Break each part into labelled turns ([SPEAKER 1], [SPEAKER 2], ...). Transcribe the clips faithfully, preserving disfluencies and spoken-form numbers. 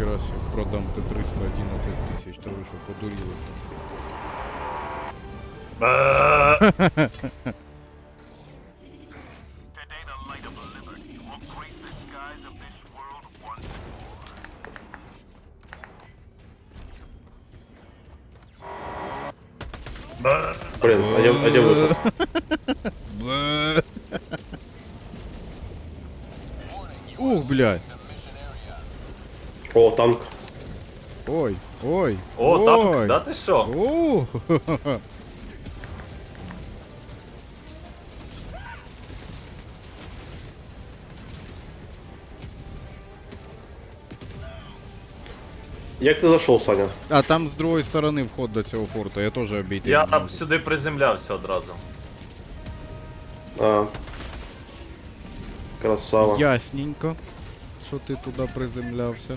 [SPEAKER 1] ніхера себе, продам Т триста одинадцять тисяч, то ви що, подуріли?
[SPEAKER 2] Блин, а где, а где выход?
[SPEAKER 1] Ух, блядь.
[SPEAKER 2] О, танк.
[SPEAKER 1] Ой, ой,
[SPEAKER 3] О,
[SPEAKER 1] ой.
[SPEAKER 3] танк, да ти що?
[SPEAKER 1] Ух.
[SPEAKER 2] Як ти зайшов, Саня?
[SPEAKER 1] А там з другої сторони вход до цього форту, я теж обійти.
[SPEAKER 3] Я
[SPEAKER 1] не
[SPEAKER 3] там
[SPEAKER 1] можу.
[SPEAKER 3] сюди приземлявся одразу.
[SPEAKER 2] А. Красава.
[SPEAKER 1] Ясненько, що ти туди приземлявся.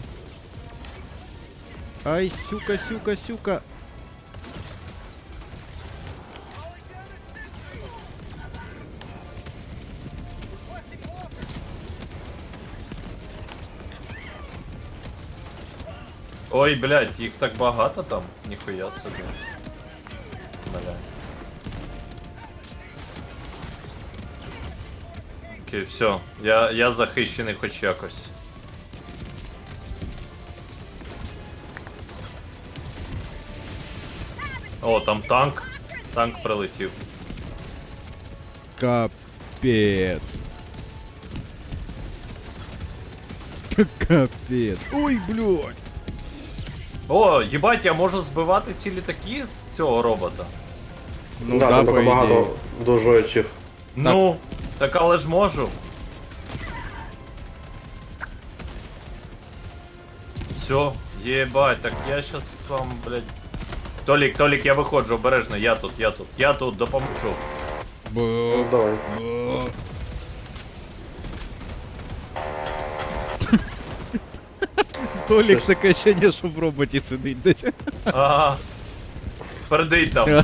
[SPEAKER 1] Ай, сюка, сюка, сюка.
[SPEAKER 3] Ой, блядь, їх так багато там, ніхуя собі. Бля. Окей, все, я, я захищений хоч якось. О, там танк. Танк прилетів.
[SPEAKER 1] Капец. Капец. Ой, блядь.
[SPEAKER 3] О, їбать, я можу збивати ці літаки з цього робота.
[SPEAKER 1] Ну
[SPEAKER 2] да,
[SPEAKER 1] да,
[SPEAKER 2] там
[SPEAKER 1] по
[SPEAKER 2] так
[SPEAKER 1] ідеї.
[SPEAKER 2] багато дожоючих.
[SPEAKER 3] Ну, так але ж можу. Все, єбать, так я щас вам, блядь. Толік, Толік, я виходжу, обережно, я тут, я тут, я тут, допоможу.
[SPEAKER 2] Ну,
[SPEAKER 1] Б.
[SPEAKER 2] давай.
[SPEAKER 1] Б. Толік таке ощущення, що в роботі сидить десь.
[SPEAKER 3] Ага. Передий там.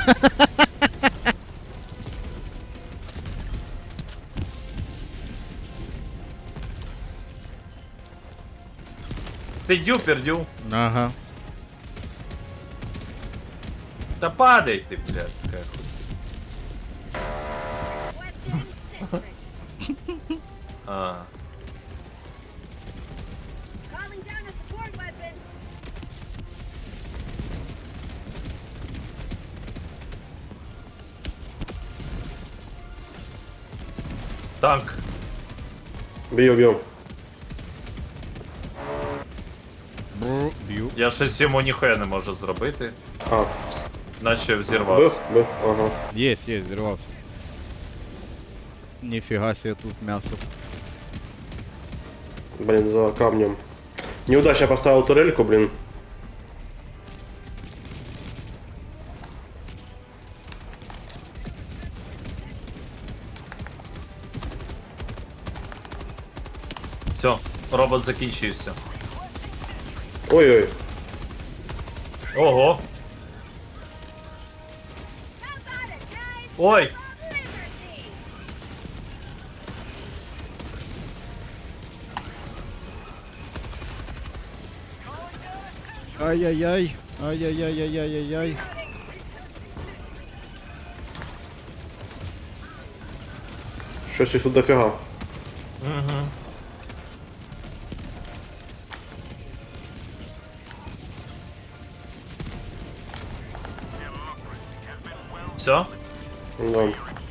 [SPEAKER 3] Сидю, пердю.
[SPEAKER 1] Ага.
[SPEAKER 3] Та падай ти, блядська. А.
[SPEAKER 4] Calling down a support weapon.
[SPEAKER 3] Танк.
[SPEAKER 2] Б'ю, б'ю.
[SPEAKER 1] Бр. Б'ю.
[SPEAKER 3] Я щось йому ніхуя не можу зробити.
[SPEAKER 2] А,
[SPEAKER 3] Наче
[SPEAKER 2] бив,
[SPEAKER 3] взірвався.
[SPEAKER 2] бив, ага.
[SPEAKER 1] Есть, есть, взорвался. Нифига себе тут мясо.
[SPEAKER 2] Блин, за камнем. Неудачно поставил турельку, блин.
[SPEAKER 3] Все, робот закінчився.
[SPEAKER 2] Ой-ой.
[SPEAKER 3] Ого.
[SPEAKER 4] How about it, guys?
[SPEAKER 3] Ой!
[SPEAKER 4] Liberty.
[SPEAKER 1] Ай-яй-яй. Ай-яй-яй-яй-яй-яй.
[SPEAKER 2] Щось їх тут дофіга.
[SPEAKER 3] Угу. Все?
[SPEAKER 2] Да.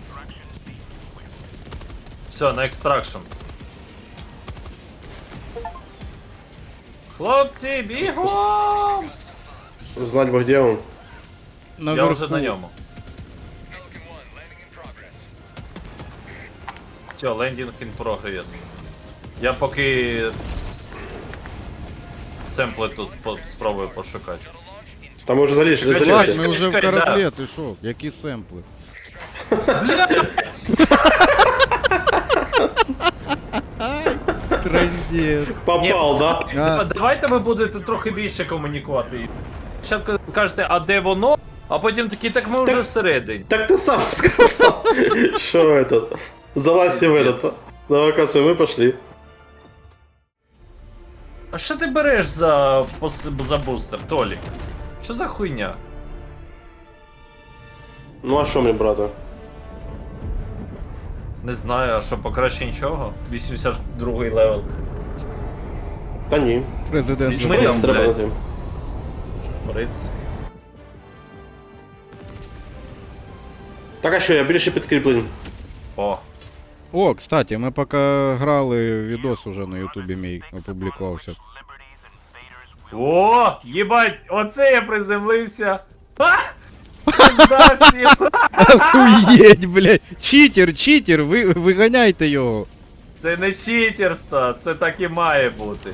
[SPEAKER 3] Все, на екстракшн. Хлопці, бігом!
[SPEAKER 2] Знать бы, где он.
[SPEAKER 3] Я
[SPEAKER 1] Наверху.
[SPEAKER 3] вже на ньому. Все, лендінг in progress. Я поки с- семпли тут по- спробую пошукати.
[SPEAKER 2] Там мы уже залезли,
[SPEAKER 3] Чекай,
[SPEAKER 1] Ладно,
[SPEAKER 2] залезли.
[SPEAKER 1] ми вже в
[SPEAKER 3] чекай, да.
[SPEAKER 1] кораблі, ти шо? Які семпли? Трындец.
[SPEAKER 2] Попал, да?
[SPEAKER 1] А.
[SPEAKER 3] Давайте ви будете трохи більше комунікувати. Спочатку кажете, а де воно? А потім такі, так ми вже
[SPEAKER 2] Так-
[SPEAKER 3] всередині.
[SPEAKER 2] Так ты сам сказал. Что это? Залазьте в этот. На локацию мы пошли.
[SPEAKER 3] А що ти береш за, пос- за бустер, Толік? Що за хуйня?
[SPEAKER 2] Ну а що мені брати?
[SPEAKER 3] Не знаю, а що покраще нічого? вісімдесят другий левел.
[SPEAKER 2] Та ні.
[SPEAKER 1] Президент
[SPEAKER 3] Візьми
[SPEAKER 1] же-
[SPEAKER 3] там,
[SPEAKER 2] Шприц треба
[SPEAKER 3] блядь.
[SPEAKER 2] на тим.
[SPEAKER 3] Шприц.
[SPEAKER 2] Так а що, я більше підкріплень.
[SPEAKER 3] О.
[SPEAKER 1] О, кстати, ми поки грали, відос уже на ютубі мій опублікувався.
[SPEAKER 3] О, їбать, оце я приземлився. Ха! Пизда всім.
[SPEAKER 1] Охуєть, блядь! Читер, читер, ви, виганяйте його.
[SPEAKER 3] Це не читерство, це так і має бути.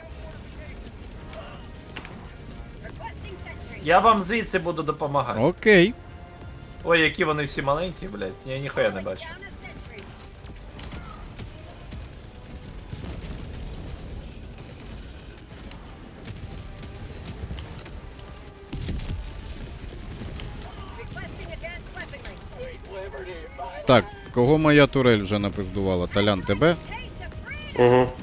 [SPEAKER 4] Requesting sentry.
[SPEAKER 3] Я вам звідси буду допомагати.
[SPEAKER 1] Окей.
[SPEAKER 3] Ой, які вони всі маленькі, блядь. Я ніхуя не бачу.
[SPEAKER 4] Down a sentry. Requesting advanced weaponry.
[SPEAKER 1] Так, кого моя турель вже напиздувала? Талян, тебе?
[SPEAKER 4] Taste of freedom.
[SPEAKER 2] Угу.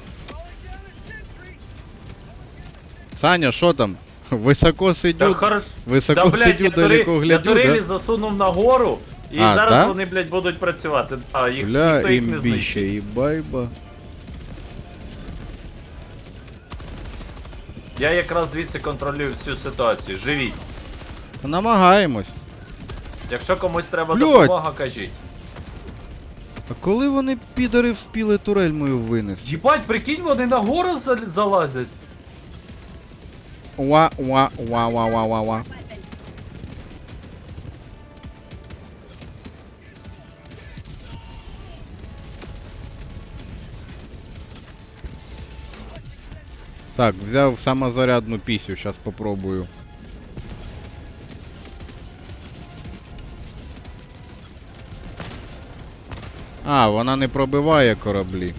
[SPEAKER 1] Саня, що там? Високо
[SPEAKER 3] Так,
[SPEAKER 1] сидю.
[SPEAKER 3] хорош.
[SPEAKER 1] Високо
[SPEAKER 3] Да, блядь,
[SPEAKER 1] сидю,
[SPEAKER 3] я
[SPEAKER 1] далеко
[SPEAKER 3] турель-
[SPEAKER 1] глядю,
[SPEAKER 3] Я турелі
[SPEAKER 1] да?
[SPEAKER 3] засунув нагору, і
[SPEAKER 1] А,
[SPEAKER 3] зараз
[SPEAKER 1] да?
[SPEAKER 3] вони, блядь, будуть працювати. А, їх,
[SPEAKER 1] Бля,
[SPEAKER 3] ніхто їх не
[SPEAKER 1] імбіще,
[SPEAKER 3] знищить.
[SPEAKER 1] і байба.
[SPEAKER 3] Я якраз звідси контролюю всю ситуацію. Живіть.
[SPEAKER 1] Намагаємось.
[SPEAKER 3] Якщо комусь треба
[SPEAKER 1] Блядь.
[SPEAKER 3] допомога, кажіть.
[SPEAKER 1] А коли вони підари вспіли турель мою винести?
[SPEAKER 3] Їбать, прикинь, вони нагору зал- залазять.
[SPEAKER 1] Уа, уа, уа, уа, уа, уа, уа. Так, взяв самозарядну пісю, зараз попробую. А, вона не пробиває кораблі.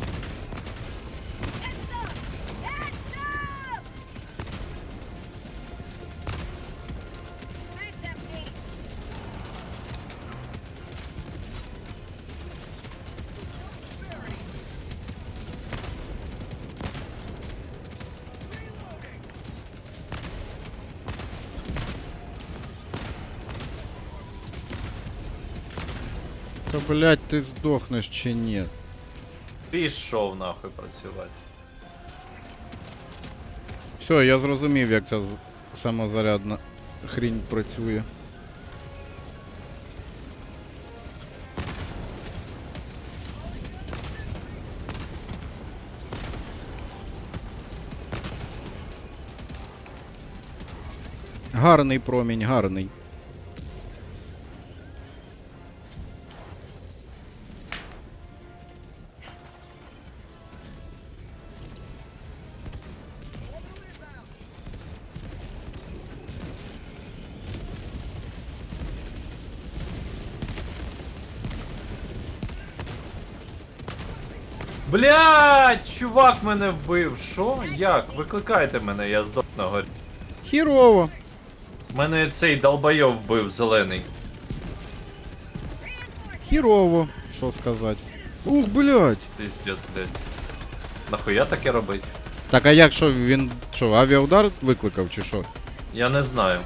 [SPEAKER 4] Nice empty.
[SPEAKER 1] Та блять, ти здохнеш чи ні?
[SPEAKER 3] Пішов нахуй працювати.
[SPEAKER 1] Все, я зрозумів, як ця з- самозарядна хрінь працює. Гарний промінь, гарний.
[SPEAKER 3] Блядь, чувак мене вбив. Що? Як? Викликайте мене, я здох на горі.
[SPEAKER 1] Хірово.
[SPEAKER 3] Мене цей долбойов вбив зелений.
[SPEAKER 1] Хірово. Що сказати? Ух, блядь.
[SPEAKER 3] Пиздец, блядь. Нахуя таке робить?
[SPEAKER 1] Так, а як що він що, авіаудар викликав чи що?
[SPEAKER 3] Я не знаю.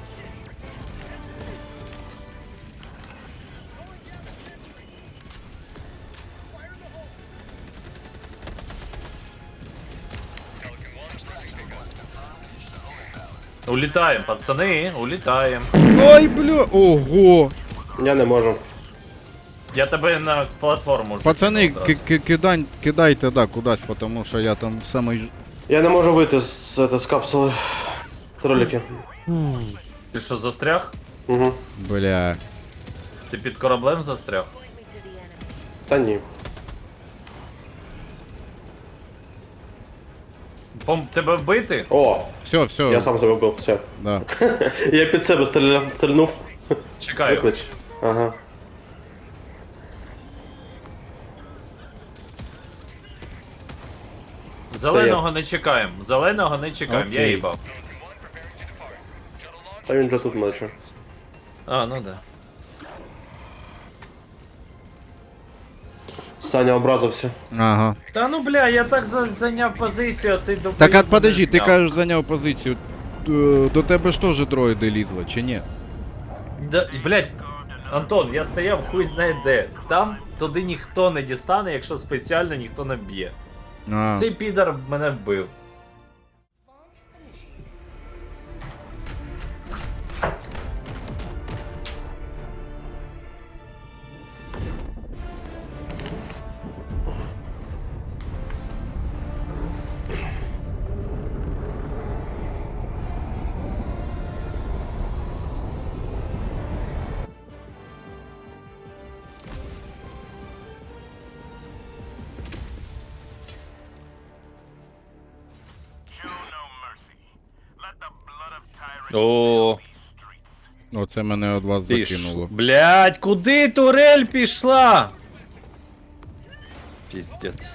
[SPEAKER 3] Улітаємо, пацани, улітаємо.
[SPEAKER 1] Ой, бля, ого.
[SPEAKER 2] Я не можу.
[SPEAKER 3] Я тебе на платформу вже
[SPEAKER 1] Пацани,
[SPEAKER 3] кинув
[SPEAKER 1] ки-
[SPEAKER 3] одразу.
[SPEAKER 1] ки- кидань, кидайте, да, кудись, тому що я там в самий... ж-
[SPEAKER 2] Я не можу вийти з, з, з капсули. Троліки.
[SPEAKER 3] Ти що, застряг?
[SPEAKER 2] Угу.
[SPEAKER 1] Бля.
[SPEAKER 3] Ти під кораблем застряг?
[SPEAKER 2] Та ні.
[SPEAKER 3] Пом тебе вбити?
[SPEAKER 2] О,
[SPEAKER 1] Все, все.
[SPEAKER 2] я сам себе вбив, все.
[SPEAKER 1] Да.
[SPEAKER 2] Я під себе стріляв, стрільнув.
[SPEAKER 3] Чекаю.
[SPEAKER 2] Виклич. Ага.
[SPEAKER 3] Зеленого не чекаємо. Зеленого не чекаємо, я
[SPEAKER 1] Окей.
[SPEAKER 3] їбав.
[SPEAKER 2] Та він вже тут мече.
[SPEAKER 3] А, ну да.
[SPEAKER 2] Саня образився.
[SPEAKER 1] Ага.
[SPEAKER 3] Та ну бля, я так за- зайняв позицію, а цей до.
[SPEAKER 1] Так, а подожди, ти кажеш, зайняв позицію. Е, До тебе ж теж дроїди лізли, чи ні?
[SPEAKER 3] Да, блядь, Антон, я стояв хуй знає де. Там туди ніхто не дістане, якщо спеціально ніхто не б'є.
[SPEAKER 1] А.
[SPEAKER 3] Цей підар мене вбив. О,
[SPEAKER 1] Оце мене від вас
[SPEAKER 3] ти ж.
[SPEAKER 1] закинуло.
[SPEAKER 3] Блядь, куди турель пішла? Піздець.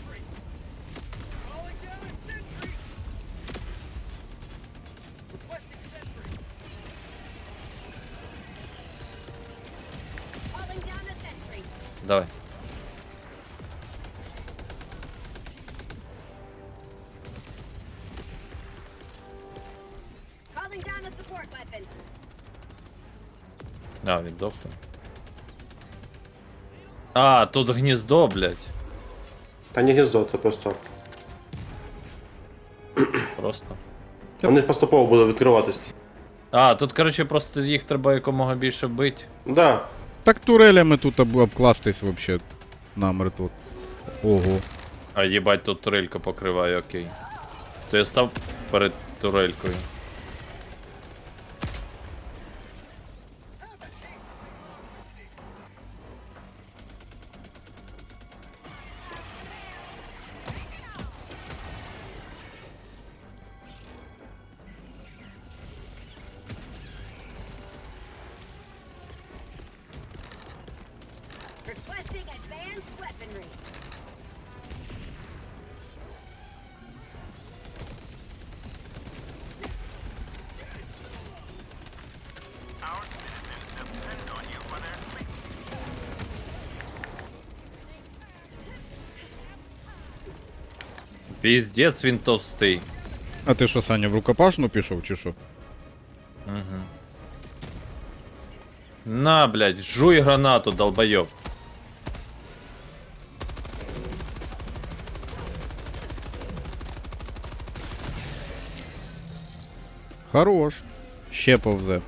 [SPEAKER 4] Calling down a sentry.
[SPEAKER 3] Давай.
[SPEAKER 4] Calling down a support weapon.
[SPEAKER 3] А, він дохне. А, тут гніздо, блядь.
[SPEAKER 2] Та не гніздо, це просто.
[SPEAKER 3] Просто.
[SPEAKER 2] Вони поступово будуть відкриватись.
[SPEAKER 3] А, тут, коротше, просто їх треба якомога більше бити.
[SPEAKER 2] Да.
[SPEAKER 1] Так турелями тут об- обкластись вообще намертво. Ого.
[SPEAKER 3] А їбать, тут турелька покриває, окей. То я став перед турелькою.
[SPEAKER 4] Requesting advanced weaponry.
[SPEAKER 3] Піздець, він товстий.
[SPEAKER 1] А ти що, Саня, в рукопашну пішов, чи що?
[SPEAKER 3] Угу. На, блядь, жуй гранату, долбойоб.
[SPEAKER 1] Хорош. Ще повзе.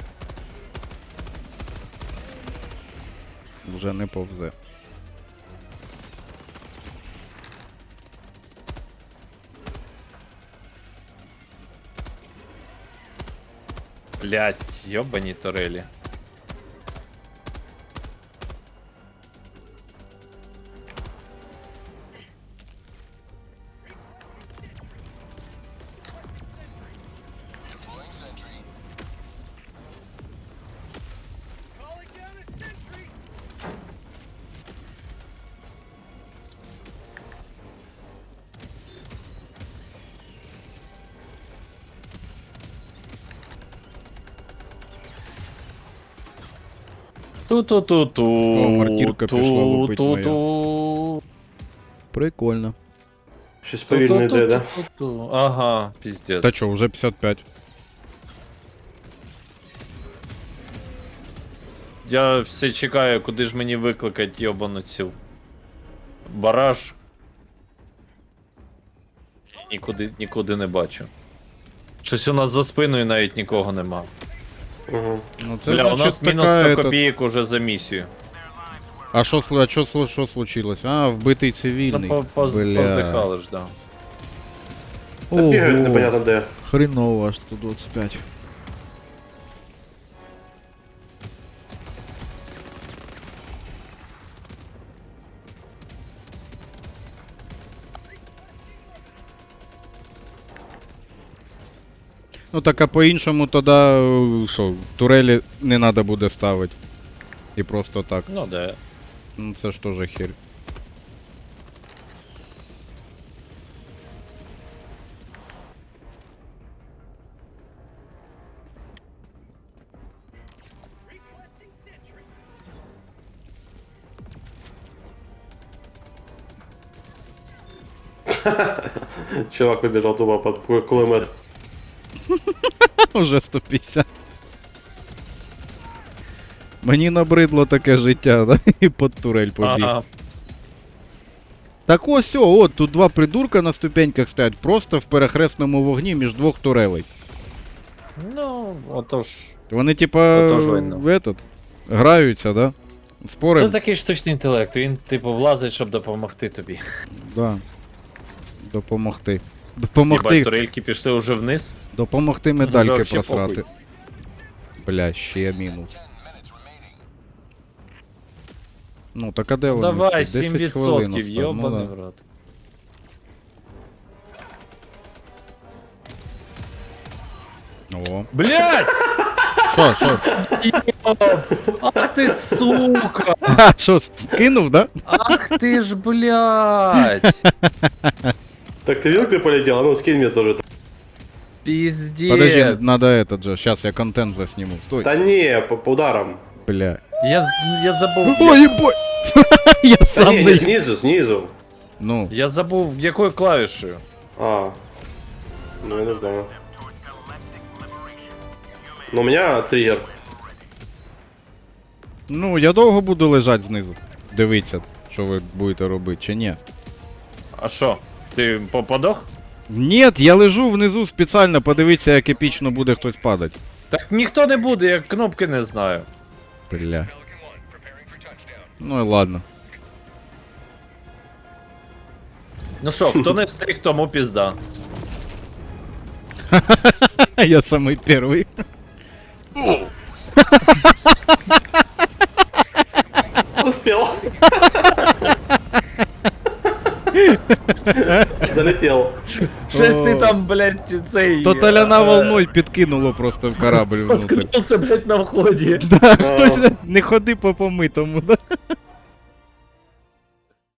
[SPEAKER 1] Вже не повзе.
[SPEAKER 3] Блядь, йобані турелі. Ту-ту-ту-ту.
[SPEAKER 1] О, мартірка пішла лупить
[SPEAKER 3] Ту-ту-ту.
[SPEAKER 1] Прикольно.
[SPEAKER 2] Щось повільно йде, да?
[SPEAKER 3] Ту-ту-ту-ту. Ага, піздець.
[SPEAKER 1] Та чо, вже п'ятдесят п'ять.
[SPEAKER 3] Я все чекаю, куди ж мені викликати йобану цю бараж. Нікуди, нікуди не бачу. Щось у нас за спиною навіть нікого нема.
[SPEAKER 2] Угу.
[SPEAKER 1] Ну це
[SPEAKER 3] Бля, у
[SPEAKER 1] значить
[SPEAKER 3] нас мінус
[SPEAKER 1] така,
[SPEAKER 3] сто
[SPEAKER 1] ета-
[SPEAKER 3] копійок уже за місію.
[SPEAKER 1] А що, сл- а що, сл- що случилось? А, вбитий
[SPEAKER 3] Ну,
[SPEAKER 1] цивільний.
[SPEAKER 3] по- поз-
[SPEAKER 1] Бля.
[SPEAKER 3] поздихали ж, да.
[SPEAKER 2] Та бігають
[SPEAKER 1] Ого,
[SPEAKER 2] непонятно де.
[SPEAKER 1] хреново аж сто двадцять п'ять. Ну так а по-іншому тоді, е, що, турелі не треба буде ставити. І просто так.
[SPEAKER 3] Ну да.
[SPEAKER 1] Ну це ж теж хер.
[SPEAKER 2] Чувак выбежал тупо под ку- кулемет.
[SPEAKER 1] Уже сто п'ятдесят. Мені набридло таке життя, да? І під турель побіг.
[SPEAKER 5] Ага.
[SPEAKER 1] Так ось, о, от, тут два придурка на ступеньках стоять, просто в перехресному вогні між двох турелей.
[SPEAKER 5] Ну, отож.
[SPEAKER 1] Вони, типа,
[SPEAKER 5] Отож видно.
[SPEAKER 1] в этот, граються, да? Спорим?
[SPEAKER 5] Це такий штучний інтелект, він, типу, влазить, щоб допомогти тобі.
[SPEAKER 1] Да. Допомогти.
[SPEAKER 5] Єбать,
[SPEAKER 1] Допомогти.
[SPEAKER 5] турельки пішли уже вниз.
[SPEAKER 1] Допомогти медальки
[SPEAKER 5] Вообще
[SPEAKER 1] просрати.
[SPEAKER 5] похуй.
[SPEAKER 1] Бля, ще мінус. Ну, так а де вони
[SPEAKER 5] Давай,
[SPEAKER 1] всі?
[SPEAKER 5] сім
[SPEAKER 1] десять хвилин
[SPEAKER 5] відсотків,
[SPEAKER 1] осталось. Ну,
[SPEAKER 5] йобаний
[SPEAKER 1] да.
[SPEAKER 5] в рот.
[SPEAKER 1] О.
[SPEAKER 5] Блять!
[SPEAKER 1] Що, що?
[SPEAKER 5] Ах ти сука!
[SPEAKER 1] А, що, скинув, да?
[SPEAKER 5] Ах ти ж, блять!
[SPEAKER 2] Так ты видел, как ты полетел? А ну скинь мне тоже.
[SPEAKER 5] Пиздец!
[SPEAKER 1] Подожди, надо этот же. Сейчас я контент засниму. Стой.
[SPEAKER 2] Да не, по, по ударам.
[SPEAKER 1] Бля.
[SPEAKER 5] Я, я забув.
[SPEAKER 1] Ой, ебой! Я
[SPEAKER 2] Да
[SPEAKER 1] сам
[SPEAKER 2] не,
[SPEAKER 1] не...
[SPEAKER 2] не, снизу, снизу.
[SPEAKER 1] Ну,
[SPEAKER 5] Я забув, якою клавішею.
[SPEAKER 2] А. Ну я не знаю. Ну у меня триггер.
[SPEAKER 1] ну, я довго буду лежати знизу. Дивіться, що ви будете робити, чи ні.
[SPEAKER 5] А що? Ти по- подох?
[SPEAKER 1] Ні, я лежу внизу спеціально, подивіться, як епічно буде хтось падати.
[SPEAKER 5] Так ніхто не буде, я кнопки не знаю.
[SPEAKER 1] Бля. Ну і ладно.
[SPEAKER 5] Ну що, хто не встиг, тому пізда.
[SPEAKER 1] Я самий перший.
[SPEAKER 2] Успел. Залетел.
[SPEAKER 5] Щось ти там, блядь, цей...
[SPEAKER 1] То таляна
[SPEAKER 5] е,
[SPEAKER 1] волною підкинуло просто в корабль внутрь.
[SPEAKER 5] Споткнувся, блядь, на вході.
[SPEAKER 1] Хтось не ходи по помитому, да?